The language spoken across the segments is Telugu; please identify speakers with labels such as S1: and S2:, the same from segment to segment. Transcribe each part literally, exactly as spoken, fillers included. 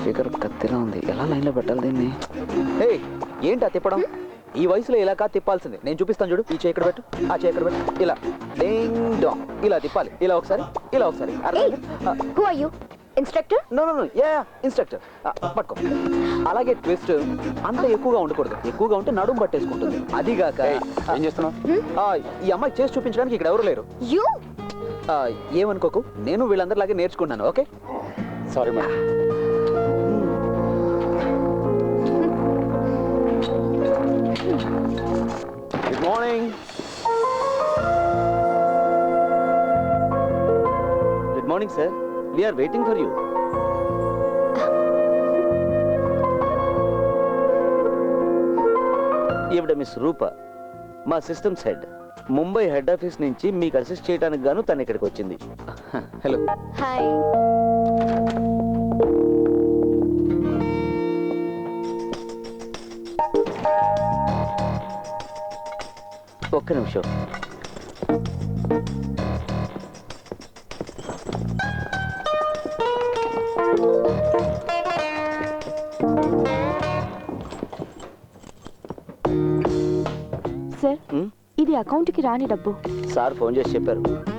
S1: ఫిగర్ కత్తిలా ఉంది, ఎలా లైన్లో పెట్టాలి దీన్ని? హే, ఏంటి తిప్పడం? ఈ వయసులో ఇలా కాదు తిప్పాల్సింది. నేను చూపిస్తాను చూడు. ఈ చేయి ఇక్కడ పెట్టు, ఆ చేయి ఇక్కడ పెట్టు. ఇలా డింగ్ డాంగ్ ఇలా తిప్పాలి. ఇలా ఒకసారి, ఇలా ఒకసారి.
S2: Who are you? Instructor?
S1: No no no yeah instructor. పట్టుకో. అలాగే ట్విస్ట్ అంత ఎక్కువగా ఉండకూడదు. ఎక్కువగా ఉంటే నడుము పట్టేసుకుంటుంది. అదిగాక
S3: ఏం చేస్తున్నావు?
S1: ఈ అమ్మాయి చేసి చూపించడానికి ఇక్కడ ఎవరు లేరు.
S2: యు
S1: ఏమనుకోకు, నేను వీళ్ళందరిలాగే నేర్చుకున్నాను. Okay,
S3: sorry madam.
S1: Good morning. Good morning sir, we are waiting for you. ఈవిడ మిస్ రూప, మా systems head. Mumbai head office నుంచి మీకు అసిస్ట్ చేయడానికి గాను తను ఇక్కడికి వచ్చింది. హలో.
S2: హాయ్.
S1: ఒక్క నిమిషం.
S2: సార్, ఇది అకౌంట్కి రాని డబ్బు.
S1: సార్ ఫోన్ చేసి చెప్పారు.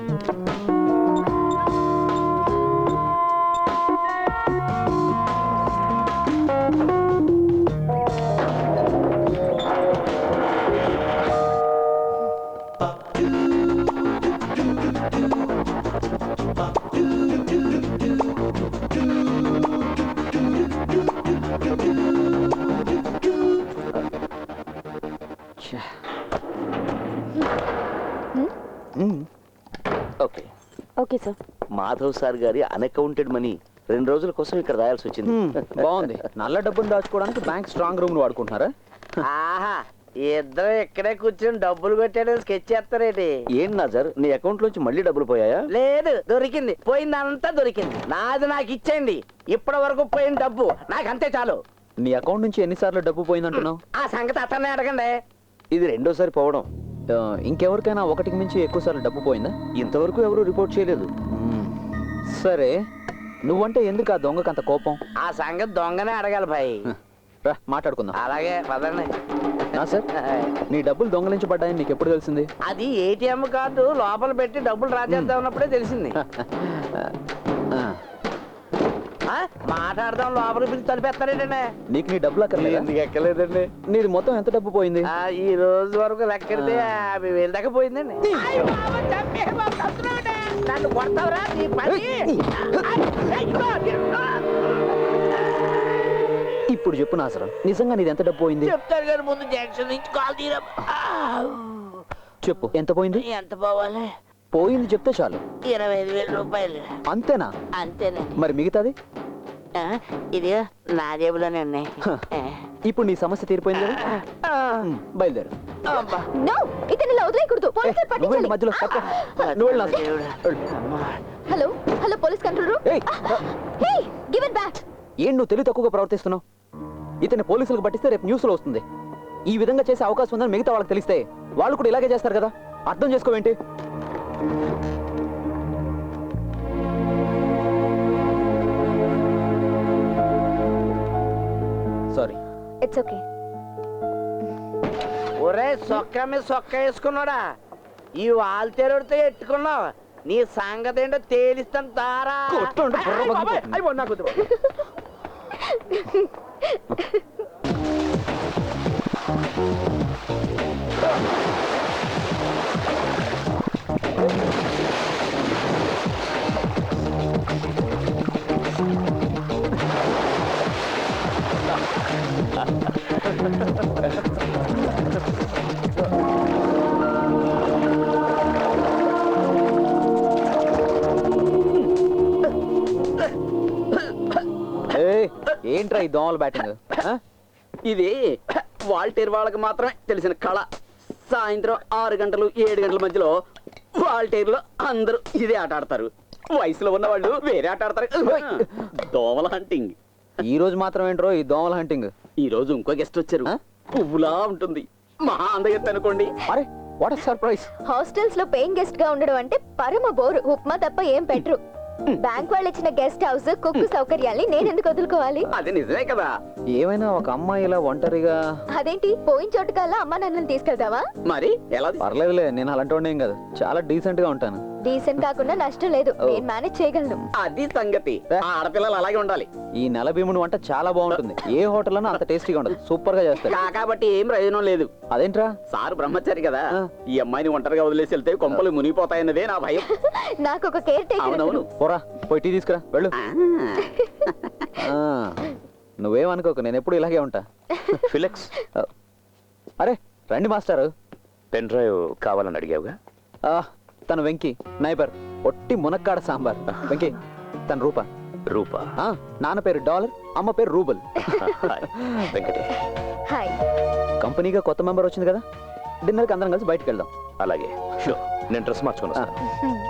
S1: Okay
S2: okay sir.
S1: Madhav sir గారి అన్అకౌంటెడ్ మనీ రెండు రోజుల కోసం ఇక్కడ రాయాల్సి వచ్చింది. బాగుంది. నల్ల డబ్బును దాచుకోవడానికి బ్యాంక్ స్ట్రాంగ్ రూమ్ వాడుకుంటున్నారా?
S4: ఆహా, ఇద్దరు ఇక్కడే కూర్చొని డబ్బులు కొట్టాడని స్కెచ్ చేస్తారేంటి?
S1: ఏం నాజర్, నీ అకౌంట్ లోంచి మళ్ళీ డబ్బులు పోయాయా?
S4: లేదు, దొరికింది. పోయిందంతా దొరికింది. నాది నాకు ఇచ్చేయండి. ఇప్పటి వరకు పోయిన డబ్బు నాకు అంతే చాలు.
S1: నీ అకౌంట్ నుంచి ఎన్నిసార్లు డబ్బు పోయిందంటున్నావు?
S4: ఆ సంగతి అతన్నే అడగండి.
S1: ఇది రెండోసారి పోవడం. ఇంకెవరికైనా ఒకటికి మించి ఎక్కువ సార్లు డబ్బు పోయిందా? ఇంతవరకు ఎవరు రిపోర్ట్ చేయలేదు. సరే, నువ్వంటే ఎందుకు ఆ దొంగకు అంత కోపం?
S4: ఆ సంగతి దొంగనే అడగాలి భాయ్.
S1: రా మాట్లాడుకుందాం.
S4: అలాగే పదండి.
S1: నా సార్, నీ డబ్బులు దొంగలించబడ్డాయని నీకు ఎప్పుడు తెలిసింది?
S4: అది ఏటీఎం కార్డు లోపల పెట్టి డబ్బులు రాజేద్దాం ఉన్నప్పుడే తెలిసింది. మాట్లాడదాం, లోపల పిలిచి తలిపేస్తారేంటండి?
S1: నీకు నీ డబ్బులు అక్కర్లేదు?
S4: ఎందుకు ఎక్కలేదండి.
S1: నీది మొత్తం ఎంత డబ్బు పోయింది?
S4: ఈ రోజు వరకు లెక్కెడితే యాభై వేలు దాకా పోయిందండి. నన్ను కొడతావురా నీ పని.
S1: ఇప్పుడు చెప్పు నాసరం, నిజంగా నీది ఎంత డబ్బు పోయింది?
S4: చెప్తారు కానీ ముందు జంక్షన్ నుంచి కాల్ తీరా.
S1: చెప్పు, ఎంత పోయింది?
S4: ఎంత పోవాలి?
S1: పోయింది చెప్తే చాలు.
S4: ఇరవై ఐదు వేల రూపాయలు.
S1: అంతేనా?
S4: అంతేనే.
S1: మరి మిగతాది?
S4: ఇది నా జేబులోనే ఉన్నాయి.
S1: ఇప్పుడు నీ సమస్య తీరిపోయింది కదా, బయలుదేరు.
S2: నో, ఇతను ఇలా వదిలేయకూడదు. పోలీసులు పట్టించాలి.
S1: మధ్యలో
S2: hello hello police control room. Hey, give it back.
S1: ఏం నువ్వు తెలివి తక్కువగా ప్రవర్తిస్తున్నావు? ఇతన్ని పోలీసులకు పట్టిస్తే రేపు న్యూస్ లో వస్తుంది. ఈ విధంగా చేసే అవకాశం ఉందని మిగతా వాళ్ళకి తెలిస్తే వాళ్ళు కూడా ఇలాగే చేస్తారు కదా. అర్థం చేసుకోవేంటి? సారీ.
S2: It's okay.
S4: ఒరే సొక్క మీద సొక్క వేసుకున్నాడా? ఈ వాల్తేరుడితో ఎట్టుకున్నావు. నీ సంగతి ఏంటో తేలిస్తాను తారా.
S1: ఏంట్రా ఈ దోమల బ్యాటింగ్?
S5: ఇది వాల్టేర్ వాళ్ళకి మాత్రమే తెలిసిన కళ. సాయంత్రం ఆరు గంటలు ఏడు గంటల మధ్యలో వాల్టేర్లో అందరూ ఇదే ఆట ఆడతారు. వయసులో ఉన్న వాళ్ళు వేరే ఆట ఆడతారు. దోమల హంటింగ్.
S1: ఈ రోజు మాత్రం ఏంట్రో ఈ దోమల హంటింగ్?
S5: ఈ రోజు ఇంకో గెస్ట్ వచ్చారు. పువ్వులా ఉంటుంది, మహా అందగెత్త అనుకోండి.
S1: అరే వాట్ ఎ సర్ప్రైజ్.
S2: హాస్టల్స్ లో పేయింగ్ గెస్ట్ గా ఉండడం అంటే పరమ బోరు. ఉప్మా తప్ప ఏం పెట్టరు. బ్యాంక్ వాళ్ళు ఇచ్చిన గెస్ట్ హౌస్ కుక్కు సౌకర్యాల్ని నేను ఎందుకు వదులుకోవాలి?
S5: అది నిజమే కదా.
S1: ఏమైనా ఒక అమ్మాయి ఇలా ఒంటరిగా
S2: అదేంటి పోయిన చోటుకల్లా అమ్మ నన్ను తీసుకెళ్తావా?
S5: మరి ఎలా
S1: పర్లేదులే, నేను అలాంటి వాడిని ఏం కాదు, చాలా డీసెంట్ గా ఉంటాను.
S2: డీసెంట్ కాకుండా నష్టం లేదు, నేను మేనేజ్ చేయగలను.
S5: అది సంగతి. ఆ ఆడపిల్లలు అలాగే ఉండాలి.
S1: ఈ నెల భీముని వంట చాలా బాగుంటుంది, ఏ హోటల్లోనూ అంత టేస్టీగా ఉండదు, సూపర్ గా చేస్తారు.
S5: కాబట్టి ఏం ప్రయోజనం లేదు.
S1: అదేంట్రా?
S5: సారు బ్రహ్మచారి కదా,
S1: ఆ.
S5: ఈ అమ్మాయిని ఒంటరిగా వదిలేసి వెళ్తే కొంపలు మునిగిపోతాయన్నదే నా భయం.
S2: నాకు ఒక కేర్ టేకర్.
S5: అవునవును.
S1: పోరా పోయి టీ తీసుకురా వెళ్ళు.
S5: ఆ.
S1: ఆ, నువ్వేమనుకోకు, నేను ఎప్పుడు ఇలాగే ఉంటా.
S3: ఫిలెక్స్,
S1: అరే రండి మాస్టారు.
S3: పెన్ డ్రైవ్ కావాలని అడిగావుగా.
S1: ఆ, తను వెంకీ నైబర్, ఒట్టి మునక్కాడ సాంబార్. వెంకీ తన రూప.
S3: రూపా.
S1: ఆ, నాన్న పేరు డాలర్, అమ్మ పేరు రూబల్.
S3: హాయ్ వెంకటే.
S2: హాయ్.
S1: కంపెనీగా కొత్త మెంబర్ వచ్చింది కదా, డిన్నర్కి అందరం కలిసి బయటకు వెళ్దాం.
S3: అలాగే షూర్, నేను డ్రెస్ మార్చుకుని వస్తాను.